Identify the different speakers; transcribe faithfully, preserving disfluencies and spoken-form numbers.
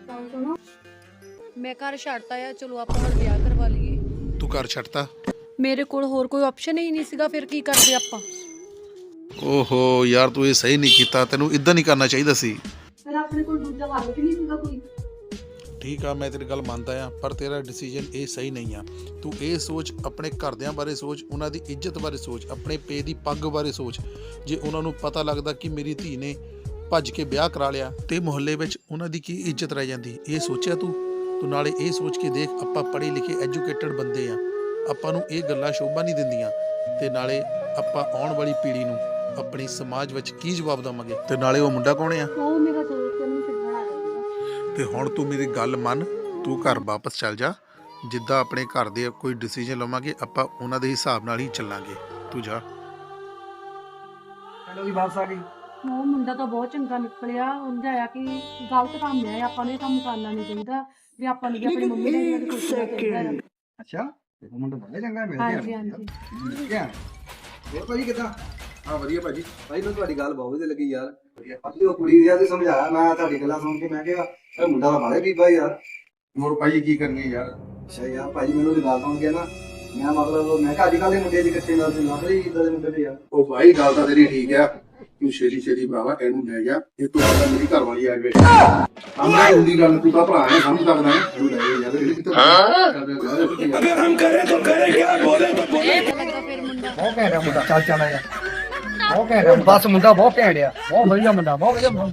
Speaker 1: ਮੈਂ ਘਰ ਛੱਡਤਾ ਆ, ਚਲੋ ਆਪਾਂ ਹੁਣ ਵਿਆਹ ਕਰਵਾ ਲਈਏ।
Speaker 2: ਤੂੰ ਘਰ ਛੱਡਤਾ?
Speaker 1: ਮੇਰੇ ਕੋਲ ਹੋਰ ਕੋਈ ਆਪਸ਼ਨ ਹੀ ਨਹੀਂ ਸੀਗਾ, ਫਿਰ ਕੀ ਕਰਦੇ ਆਪਾਂ।
Speaker 2: ਓਹੋ ਯਾਰ ਤੂੰ ਇਹ ਸਹੀ ਨਹੀਂ ਕੀਤਾ, ਤੈਨੂੰ ਇਦਾਂ ਨਹੀਂ ਕਰਨਾ ਚਾਹੀਦਾ ਸੀ।
Speaker 1: ਫਿਰ ਆਪਣੇ ਕੋਲ ਦੂਜਾ ਹੱਲ ਵੀ ਨਹੀਂ ਸੀਗਾ ਕੋਈ।
Speaker 2: ਠੀਕ ਆ, ਮੈਂ ਤੇਰੀ ਗੱਲ ਮੰਨਦਾ ਆ, ਪਰ ਤੇਰਾ ਡਿਸੀਜਨ ਇਹ ਸਹੀ ਨਹੀਂ ਆ। ਤੂੰ ਇਹ ਸੋਚ, ਆਪਣੇ ਘਰਦਿਆਂ ਬਾਰੇ ਸੋਚ, ਉਹਨਾਂ ਦੀ ਇੱਜ਼ਤ ਬਾਰੇ ਸੋਚ, ਆਪਣੇ ਪੇ ਦੀ ਪੱਗ ਬਾਰੇ ਸੋਚ। ਜੇ ਉਹਨਾਂ ਨੂੰ ਪਤਾ ਲੱਗਦਾ ਕਿ ਮੇਰੀ ਧੀ ਨੇ ਭੱਜ ਕੇ ਵਿਆਹ ਕਰਾ ਲਿਆ ਤੇ ਮੁਹੱਲੇ ਵਿੱਚ ਉਹਨਾਂ ਦੀ ਕੀ ਇੱਜ਼ਤ ਰਹਿ ਜਾਂਦੀ, ਇਹ ਸੋਚਿਆ ਤੂੰ? ਤੂੰ ਨਾਲੇ ਇਹ ਸੋਚ ਕੇ ਦੇਖ, ਆਪਾਂ ਪੜ੍ਹੇ ਲਿਖੇ ਐਜੂਕੇਟਡ ਬੰਦੇ ਆ, ਆਪਾਂ ਨੂੰ ਇਹ ਗੱਲਾਂ ਸ਼ੋਭਾ ਨਹੀਂ ਦਿੰਦੀਆਂ। ਤੇ ਨਾਲੇ ਆਪਾਂ ਆਉਣ ਵਾਲੀ ਪੀੜ੍ਹੀ ਨੂੰ ਆਪਣੀ ਸਮਾਜ ਵਿੱਚ ਕੀ ਜਵਾਬ ਦੇਵਾਂਗੇ? ਤੇ ਨਾਲੇ ਉਹ ਮੁੰਡਾ ਕੌਣ ਆ?
Speaker 1: ਉਹ ਮੇਰਾ ਦੋਸਤ ਨੂੰ ਛੱਡਣ ਆ ਗਿਆ।
Speaker 2: ਤੇ ਹੁਣ ਤੂੰ ਮੇਰੀ ਗੱਲ ਮੰਨ, ਤੂੰ ਘਰ ਵਾਪਸ ਚੱਲ ਜਾ। ਜਿੱਦਾਂ ਆਪਣੇ ਘਰ ਦੇ ਕੋਈ ਡਿਸੀਜਨ ਲਵਾਂਗੇ, ਆਪਾਂ ਉਹਨਾਂ ਦੇ ਹਿਸਾਬ ਨਾਲ ਹੀ ਚੱਲਾਂਗੇ। ਤੂੰ ਜਾ।
Speaker 3: ਹੈਲੋ ਜੀ, ਵਾਪਸ ਆ ਗਈ।
Speaker 1: ਉਹ ਮੁੰਡਾ ਤਾਂ ਬਹੁਤ ਚੰਗਾ ਨਿਕਲਿਆ, ਉਹਦਾ ਆਇਆ ਕਿ ਗਲਤ ਕੰਮ ਹੈ, ਆਪਾਂ ਨੂੰ ਇਹ ਕੰਮ ਕਰਨਾ ਨਹੀਂ ਚਾਹੀਦਾ ਵੀ ਆਪਾਂ ਨੂੰ ਵੀ ਆਪਣੀ ਮੰਮੀ ਡੈਡੀ ਦੀ ਖੁਸ਼ੀ ਚਾਹੀਦਾ ਹੈ।
Speaker 3: ਅੱਛਾ, ਤੇ ਉਹ ਮੁੰਡਾ ਬੜਾ ਚੰਗਾ ਮਿਲ ਗਿਆ।
Speaker 1: ਹਾਂਜੀ ਹਾਂਜੀ।
Speaker 3: ਕੀ ਹੈ ਹੋਰ ਭਾਜੀ ਕਿੱਦਾਂ?
Speaker 2: ਹਾਂ ਵਧੀਆ ਭਾਜੀ।
Speaker 3: ਭਾਈ ਮੈਨੂੰ ਤੁਹਾਡੀ ਗੱਲ ਬਹੁਤ ਵਧੀਆ ਲੱਗੀ ਯਾਰ। ਅੱਛੀ ਉਹ ਕੁੜੀ ਦੀ ਆ ਤੇ ਸਮਝਾਇਆ ਮੈਂ, ਤੁਹਾਡੀ ਗੱਲਾਂ ਸੁਣ ਕੇ ਮੈਂ ਕਿਹਾ ਇਹ ਮੁੰਡਾ ਤਾਂ ਬੜਾ ਬੀਬਾ ਯਾਰ।
Speaker 2: ਹੋਰ ਭਾਜੀ ਕੀ ਕਰਨੀ ਯਾਰ?
Speaker 3: ਅੱਛਾ ਯਾਰ ਭਾਜੀ ਮੈਨੂੰ ਉਹਦੀ ਗੱਲ ਸੁਣ ਕੇ ਨਾ, ਮੈਂ ਮਤਲਬ ਮੈਂ ਕਿਹਾ ਅੱਜ ਕੱਲ੍ਹ ਦੇ ਮੁੰਡੇ ਦੀ ਕੱਚੇ ਨਾਲ ਲੱਗ ਰਹੀ ਇੱਦਾਂ ਦੇ ਮੁੰਡੇ ਤੇ ਯਾਰ।
Speaker 2: ਉਹ ਭਾਈ ਗੱਲ ਤਾਂ ਤੇਰੀ ਠੀਕ ਆ, ਤੂੰ ਛੇਤੀ ਛੇਤੀ ਭਰਾਵਾ ਇਹਨੂੰ ਲੈ ਜਾ। ਇਹ ਤੋਂ ਪਹਿਲਾਂ ਮੇਰੀ ਘਰ ਵਾਲੀ ਆ ਗਈ। ਆਮਰੇ ਹੁੰਦੀ ਗੱਲ, ਤੂੰ ਤਾਂ ਭਰਾ ਹੈ, ਸਮਝ ਸਕਦਾ ਹੈ। ਇਹਨੂੰ ਲੈ ਜਾ ਯਾਰ, ਇਹ ਕਿੱਥੇ ਅਗਰ ਹਮ ਕਰੇ ਤਾਂ ਕਰੇ, ਕਿਆ ਬੋਲੇ ਤਾਂ ਬੋਲੇ।
Speaker 1: ਫਿਰ ਮੁੰਡਾ
Speaker 3: ਬਹੁਤ ਘੈਂਟ ਆ ਮੁੰਡਾ, ਚੱਲ ਚੱਲ ਆ ਜਾ। ਬਹੁਤ ਘੈਂਟ ਆ ਬਸ, ਮੁੰਡਾ ਬਹੁਤ ਘੈਂਟ ਆ, ਬਹੁਤ ਵਧੀਆ ਮੁੰਡਾ, ਬਹੁਤ ਵਧੀਆ ਮੁੰਡਾ।